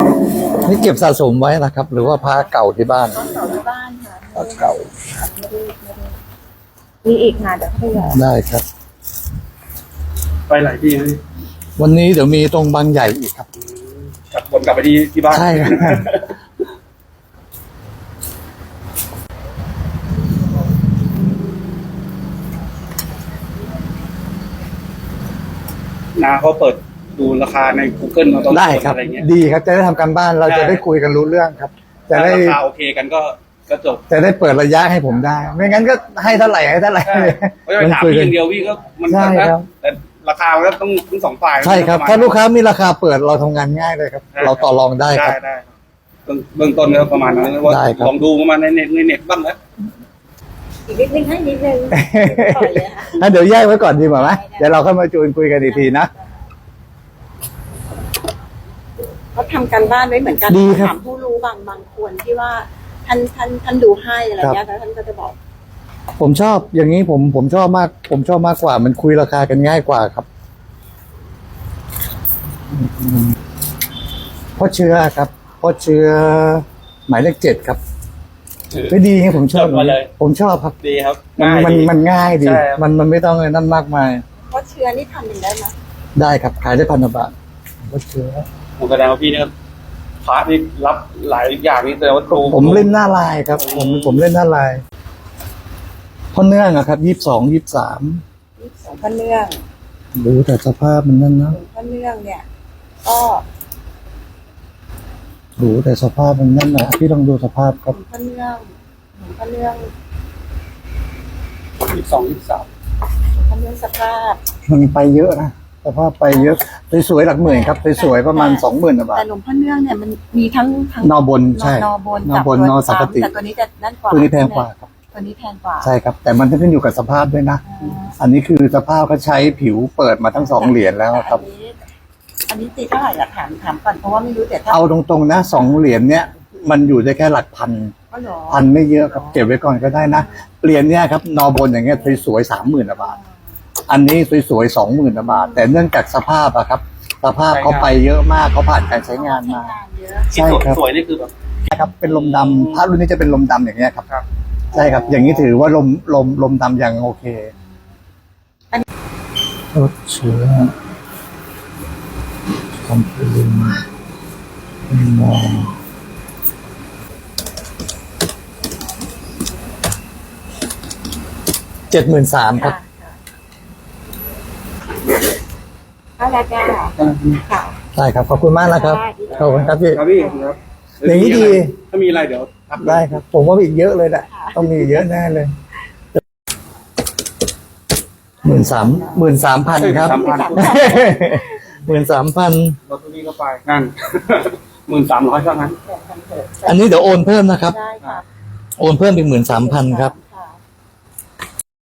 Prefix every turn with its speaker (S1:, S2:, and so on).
S1: นี่เก็บสะสมไว้นะครับ หรือว่าพระเก่าที่บ้าน
S2: ต้นเก่าที่บ้านค่ะ
S1: พระเก่า
S2: มีอีกงานเดี๋ยวเขาอยาก
S1: ได้ครับ
S3: ไปหลายที่นะ
S1: วันนี้เดี๋ยวมีตรงบางใหญ่อีกครับ
S3: กลับไปที่บ้าน
S1: ใช่ครับ
S3: นาเขาเปิดดูราคาใน Google เราต้อง
S1: ได้ครับ
S3: อะไรเงี้ย
S1: ดีครับจะได้ทำการบ้านเราจะได้คุยกันรู้เรื่องครับ จะ
S3: ถ้า
S1: ได้
S3: ราคาโอเคกันก็จบ
S1: จะได้เปิดระยะให้ผมได้ ไม่งั้นก็ให้เท่าไหร่ให้เท่าไหร่
S3: ใช่ไม่ได้ไปถามพี่อย่างเดียวพี่ก็มัน
S1: ใช่ครับ
S3: แต่ราคามันก็ต้องทั้งสองฝ่าย
S1: ใช่ครับ ถ้าลูกค้ามีราคาเปิดเราทำงานง่ายเลยครับ เราต่อรองได้ครับ
S3: ได้เบื้องต้นก็ประมาณนั้นว่า
S1: ได้ครับ
S3: ลองดูประมาณในเน็ตบ้างนะ
S2: อีกนิดนึงให้นิดนึงปล่อยเลยค่ะ
S1: งั้นเดี๋ยวแยกไว้ก่อนดีกว่าไหมเดี๋ยวเราค่อยมาจูนคุยกันอีกทีนะ
S2: เขาทำการบ้านไว้เหมือนกัน
S1: ดีครับ
S2: ถามผู้รู้บางคนที่ว่าท่านดูให้อะไรเงี้ยแล้วท่านก็จะบอก
S1: ผมชอบอย่างนี้ผมชอบมาก ผมชอบมากกว่า มันคุยราคากันง่ายกว่าครับเพราะเชื้อครับเพราะเชื้อหมายเลข7ครับไม่ดีครับผมชอบ
S3: จดมาเลย
S1: ผมชอบครับ
S3: ดีครับ
S1: มันง่ายดี
S3: ใช่ครับ
S1: มันไม่ต้องอะไรนั่นมากมาย
S2: เพราะเชื้อนี่ทำเป็นได้ไหม
S1: ได้ครับขายได้1,000 บาทเพราะเชื้อ
S3: ผมแสดงว่าพี่เนี่ยพาร์ทนี่รับหลายอย่างนี่แต่ว่าตู
S1: ผมเล่นหน้าลายครับ ผมเล่นหน้าลายเพราะเนื่องอะครับ22 23
S2: สองพระเนื่อง
S1: ดูแต่สภาพมันนั่นนะ
S2: หลวงพระเนื่องเนี่ย ก็
S1: ดูแต่สภาพมันนั่นนะพี่ลองดูสภาพค
S2: หล
S1: รับ
S2: วงพระเนื่องหลวงพระเนื่อง
S3: 22 23
S2: หลวงพระเนื่องสภาพ
S1: มันไปเยอะนะสภาพไปเยอะสวยๆหลักหมื่นครับสวยๆประมาณ 20,000 บาท
S2: แต่หลวงพระเนื่องเนี่ยมันมีทั้ง
S1: นอบนใช่
S2: นอบน
S1: นอบน
S2: กับ
S1: นอสังกติ
S2: แต่ตัวนี้จะด้านกว่า
S1: ตัวนี้แพงกว่าครับ
S2: ตัวนี้แพงกว่า
S1: ใช่ครับ แต่มันจะขึ้นอยู่กับสภาพด้วยนะ อันนี้คือสภาพเขาใช้ผิวเปิดมาทั้ง2 เหรียญแล้วครับ
S2: อันนี้ตีเท่าไหร่ล่ะถามก่อนเพราะว่าไม่รู้แต่ถ้า
S1: เอาตรงๆนะ2 เหรียญเนี้ยมันอยู่ได้แค่หลักพัน
S2: ก็หรอ
S1: พันไม่เยอะครับเก็บไว้ก่อนก็ได้นะเหรียญเนี้ยครับนอบนอย่างเงี้ยสวยๆ30,000 บาท อันนี้สวยๆ20,000 บาท แต่เนื่องจากสภาพอะครับ สภาพเขาไปเยอะมากเขาผ่านการใช้งานมา
S2: เยอะ
S1: ใช่ครับ
S3: สวยนี่คือแบบ
S1: ครับเป็นลมดำพระรุ่นนี้จะเป็นลมดำอย่างเงี้ยครับ
S3: ครับ
S1: ใช่ครับ อย่างนี้ถือว่าลมดำยังโอเคลดเชื้อคอมพิวเตอร์มอง73,000ครับ
S2: ค่ะแล้วจ้าค่ะ
S1: ได้ครับ ขอบคุณมากนะครับ ขอบคุณครับพี่
S3: ครับพี่ครับ
S1: อย่างนี้ดี
S3: ถ้ามีอะไรเดี๋ยวทัก
S1: ได้ครับ ผมว่าอีกเยอะเลยแหละต้องมีเยอะแน่เลย13,000ครับ13,000
S3: รถตัวนี้ก็ไปนั่น 13,000เท่านั้น
S1: อันนี้เดี๋ยวโอนเพิ่มนะครับ
S2: ได้ค่ะ
S1: โอนเพิ่มอีก13,000ครับ